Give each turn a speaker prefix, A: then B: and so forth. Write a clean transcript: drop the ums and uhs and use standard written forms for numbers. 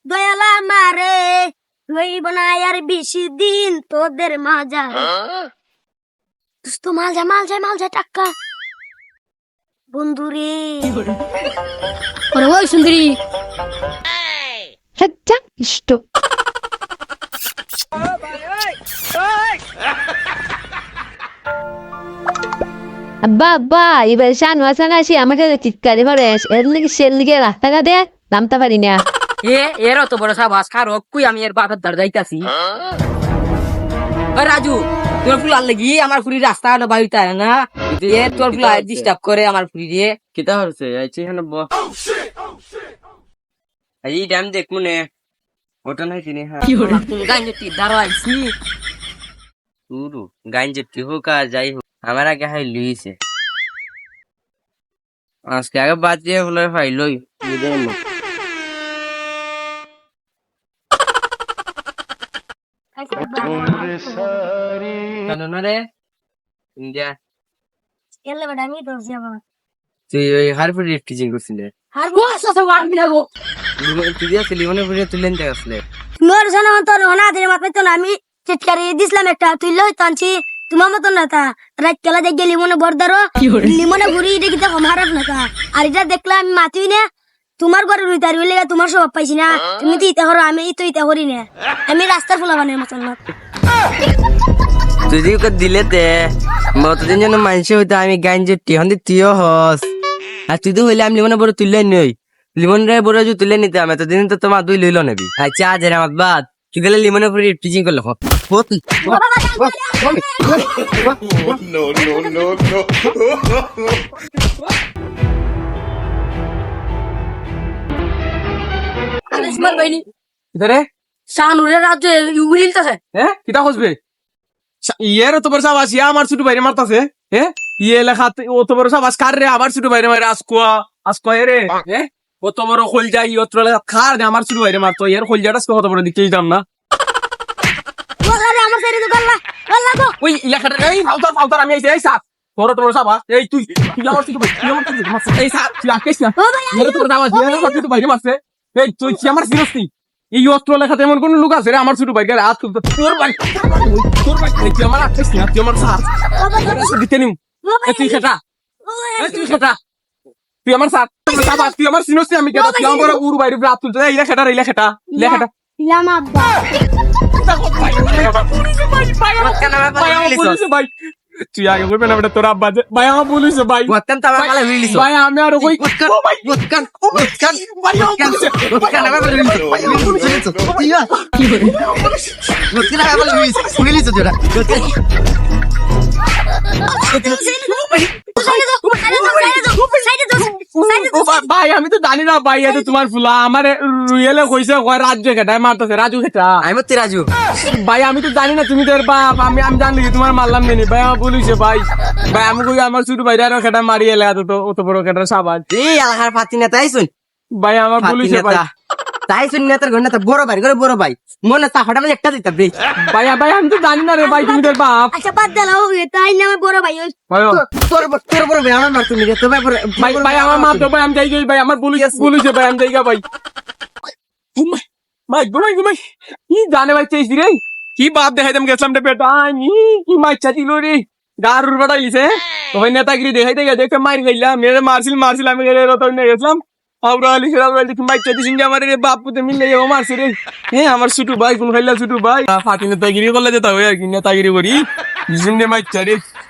A: দয়ালা মারে লইব না আর বেশি দিন তোদের মাজা তো মাল যা টাক্কা বন্ধুরে ওই সুন্দরী
B: সজ্জা ইষ্ট আব্বা আব্বা এবার শান ওয়াসান আসি আমার সাথে চিৎকারে ভরে এর নাকি সেল লিগে রাস্তাঘাটে নামতে পারি না
C: এর অত বড় সাবাস খারো কুই আমি এর বাপের দ্বার যাইতাছি রাজু তোর ফুল আনলে গিয়ে আমার ফুরি রাস্তা বাড়িতে না তোর ফুল ডিস্টার্ব করে আমার ফুরি দিয়ে
D: কিতা হচ্ছে আইছি এখানে এই ড্যাম দেখ মনে ওটা নাই চিনি হ্যাঁ
C: গাইতে দাঁড়ো আইছি
D: পুরো গাইন যে হোক আর যাই হোক আমার আগে হাই লুইছে আজকে আগে বাদ দিয়ে হলো ভাই লই বুঝে না কেন না রে ইন্ডিয়া
A: এলে বড় আমি তো যাব
D: তুই ওই হারপুর টিচিং করছিলে
A: আর বস আছে ওয়ার্ড মিলাবো
D: তুই দিয়া লিমনে পুরে তুলেন দেখ আসলে
A: মোর জানা তো না দে মাপে তো আমি চিৎকারি দিছিলাম একটা তুই লই তানছি তোমার মতন না তা রাত কেলা দেখ গেলি মনে বর্দারো লিমনে ঘুরি এটা কি দেখো মারাপ না তা আর এটা দেখলাম আমি মাতুই না তোমার ঘরে রুইতার হইলে তোমার স্বভাব পাইছি না তুমি তো ইতা করো আমি তো ইতা করি না আমি রাস্তার ফুলা বানার মতন না
D: তুই যদি ওকে দিলে তে মতদিন যেন মানুষ হইতো আমি গাইন যে টিহন দি তুইও হস আর তুই তো হইলে আমি লিমনে বড় তুললে নই লিমন রে বড় যে তুলে নিতে আমি এতদিন তো তোমার দুই লইল নেবি আচ্ছা আজ আমার বাদ তুই গেলে লিমনে পুরি টিচিং করলে হত
C: আলিসমর বাইনি
E: ইধারে
C: শানুরে রাজ্যে উইলতাছে
E: হ্যাঁ কিতা খুঁজবে ইয়ের তো বড় সাবাস ইয়া আমার ছোট বাইরে মারতাছে হ্যাঁ ইয়ে লেখা ও তো বড় সাবাস কার রে আমার ছোট বাইরে মারে আসকোয়া রে হ্যাঁ ও তো বড় খোলজা ই অত্র লেখা খার রে আমার ছোট বাইরে মারতো এর খোলজাটা কত বড় দিকে দিতাম না
A: ওরে আমার সাইরে তো গল্লা গল্লা গো
E: ওই লেখাটা এই ফাউতার আমি আইছি এই সাত বড় তো বড় সাবাস এই তুই আমার ছোট ভাই তুই আমার ছোট ভাই মারছে এই সাত তুই আকেশ না এর তো বড় সাবাস আমার ছোট বাইরে মারছে এই তুই কি আমার সিরিয়াস নি এই অস্ত্র লেখাতে এমন কোন লোক আছে রে আমার ছোট ভাই গায়ে হাত তুলতো তোর ভাই তুই আমার আকেশ না তুই আমার সাত দিতে নিম তুই খেটা তুই খেটা তুই আমার সাত তুই আমার সিনোস আমি কেটা তুই আমার উড় বাইরে হাত তুলতো এই লেখাটা
A: ইলাম আব্বা
E: ভাই তুই আগে বলবে না বেটা তোর আব্বা ভাই আমার পুলিশ ভাই
D: ওয়াক্কান তাবা কালে রিলিজ
E: ভাই আমি আর ওই
D: ওয়াক্কান ভাই ওয়াক্কান আমার রিলিজ কি করে ওয়াক্কান আমার রিলিজ জোড়া
E: ভাই আমি তো জানি না ভাই এটা তোমার ফুলা আমার রুয়েলে কইছে রাজ্য খেটায় মারতেছে রাজু খেটা
D: আমি মতে রাজু
E: ভাই আমি তো জানি না তুমি তোর বাপ আমি জানলি কি তোমার মারলাম নেই ভাই আমার বলিছে ভাই আমি কই আমার ছোট ভাই আরো খেটা মারিয়ে এলে অত বড় খেটার সাবাস
D: এই আলহার ফাতি না তাইছুন
E: ভাই আমার বলিছে ভাই
D: তাইছুন না তোর ঘন্টা বড় ভাই করে বড় ভাই মনে তা হঠাৎ একটা দিতা বে
E: ভাই আমি তো জানি না রে ভাই তুমি তোর বাপ
A: আচ্ছা বাদ দাও তাই না আমার বড় ভাই
E: ভাই
D: তোর বড় ভাই আমার মার তুমি রে তো
E: ভাই আমার মা তো ভাই আমি যাই ভাই আমার বলিছে ভাই আমি যাইগা ভাই ঘুমাই কি জানে ভাই চেয়েছি রে কি বাপ দেখাইতাম গেছিলাম রে বেটা কি মাইচ্ছা ছিল রে গারুর বেটা লিছে তো ভাই নেতাগিরি দেখাইতে গিয়ে দেখে মার গেলাম মেরে মারছিল আমি গেলে রতন নিয়ে গেছিলাম আমরা দেখি মাইচ্ছা দিছি আমার রে বাপ পুতে মিলে যাবো মারছে রে হ্যাঁ আমার ছোট ভাই কোন খাইলা ছোট ভাই ফাঁকি নেতাগিরি করলে যেতে হবে আর কি নেতাগিরি করি জিন্দে মাইচ্ছা রে